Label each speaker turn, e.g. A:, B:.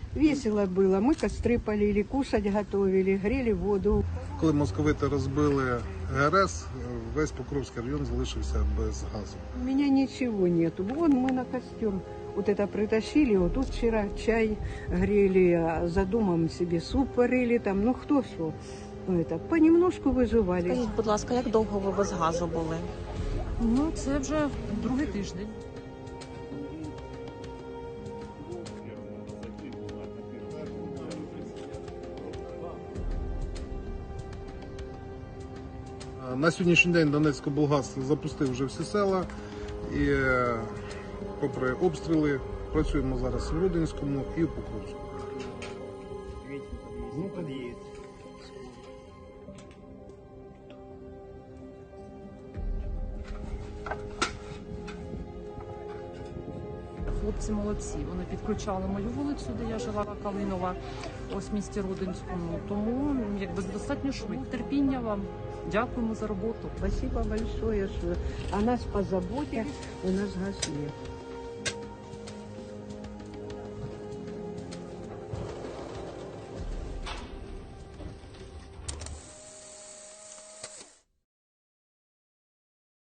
A: Весело было. Мы костры полили, кушать готовили, грели воду.
B: Коли московити розбили ГРС, весь Покровський район залишився без газу.
A: У меня ничего нету. Вон мы на костер вот это притащили. Вот тут вчера чай грели, а за домом себе суп варили там. Ну кто что. Это, понемножку выживали.
C: Скажіть, будь ласка, як довго ви без газу були?
D: Ну, це вже другий тиждень.
B: На сьогоднішній день Донецькоблгаз запустив вже всі села і попри обстріли працюємо зараз в Рудинському і в Покровську.
D: Хлопці молодці. Вони підключали мою вулицю, де я жила, Калинова, ось в місті Рудинському. Тому якби достатньо швидко. Терпіння вам. Дякуємо за роботу.
A: Спасибо большое, что о нас позаботились. У нас газ нет.